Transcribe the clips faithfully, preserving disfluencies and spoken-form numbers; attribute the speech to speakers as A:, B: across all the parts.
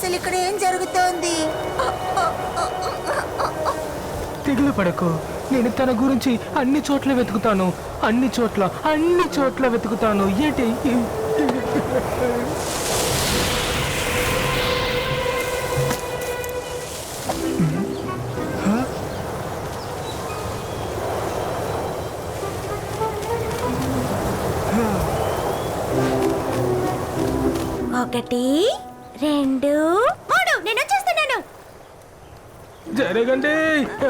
A: అసలు ఇక్కడ ఏం జరుగుతోంది?
B: తెగులు పడకు. నేను తన గురించి అన్ని చోట్ల వెతుకుతాను, అన్ని చోట్ల అన్ని చోట్ల వెతుకుతాను. ఏంటి?
A: ఒకటి, రెండు, మూడు. నేను వచ్చేస్తున్నాను.
B: జరగండి.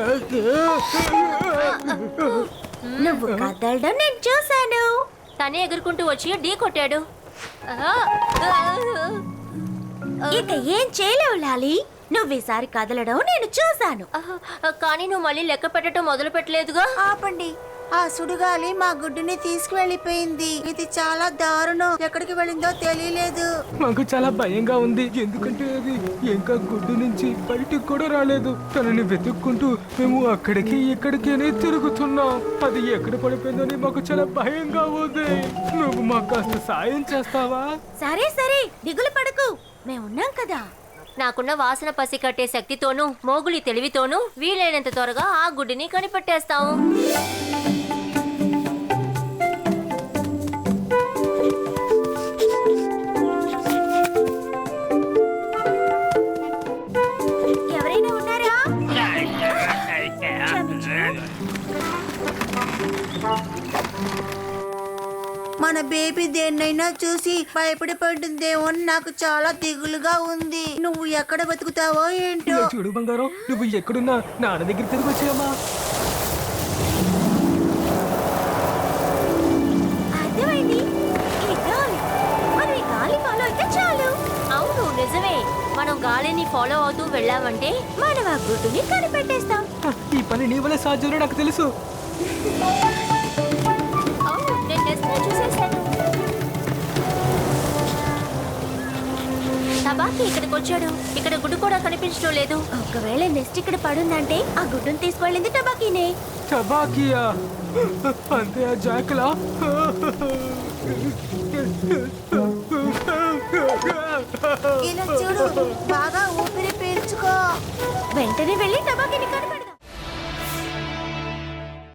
A: నువ్వు కదలడం నేను చూశాను.
C: తనే ఎగురుకుంటూ వచ్చి ఢీ కొట్టాడు.
A: ఇక ఏం చేయలేవు లాలి. నువ్వు ఈసారి కదలడం నేను చూశాను.
C: కానీ నువ్వు మళ్ళీ లెక్క పెట్టడం మొదలు పెట్టలేదుగా.
A: ఆపండి. ఆ సుడిగాలి మా గుడ్డుని తీసుకువెళ్ళిపోయింది. ఇది చాలా దారుణం. ఎక్కడికి వెళ్ళిందో తెలియలేదు.
B: మాకు చాలా భయంగా ఉంది, ఎందుకంటే అది ఇంకా గుడ్డు నుంచి బయటికి కూడా రాలేదు. తనని వెతుక్కుంటూ మేము అక్కడికి ఇక్కడికి తిరుగుతున్నాం. అది ఎక్కడ పడిపోయిందని మాకు చాలా భయంగా ఉంది. నువ్వు మాకు కాస్త సాయం చేస్తావా?
A: సరే సరే, దిగులు పడకు, మేమున్నాం కదా.
C: నాకున్న వాసన పసి కట్టే శక్తితోనూ మోగులి తెలివితోనూ వీలైనంత త్వరగా ఆ గుడ్డిని కనిపెట్టేస్తాము.
A: ఎవరైనా ఉన్నారా? మన బేబీ దేన్నైనా చూసి భయపడి పడుతుందేమో అని నాకు చాలా దిగులుగా ఉంది. నువ్వు ఎక్కడ బతుకుతావో ఏంటో.
B: ఇలా చూడు బంగారం, నువ్వు ఎక్కడున్నా నాన్న దగ్గర తిరిగి వచ్చామా?
A: అర్థమైంది. ఈ గాలి, మనం ఈ గాలి ఫాలో అయితే చాలు.
C: అవును నిజమే, మనం గాలిని ఫాలో అవుతూ వెళ్ళామంటే
A: మనం ఆ గుడ్డుని కనిపెట్టేస్తాం.
B: ఈ పని నీ వల్ల సాధ్యంలో నాకు తెలుసు.
C: అవును, నేను టెస్ట్లో చూసేశాను. తబాకి ఇక్కడికి వచ్చాడు. ఇక్కడ గుడ్డు కూడా కనిపించడం లేదు.
A: ఒకవేళ నెక్స్ట్ ఇక్కడ పడుందంటే ఆ గుడ్డుని తీసుకువెళ్ళింది టబాకీనే.
B: టబాకియా అంతే ఆ జాకలా?
A: ఇలా చూడు, బాగా ఊపిరి పీల్చుకో. వెంటనే వెళ్ళి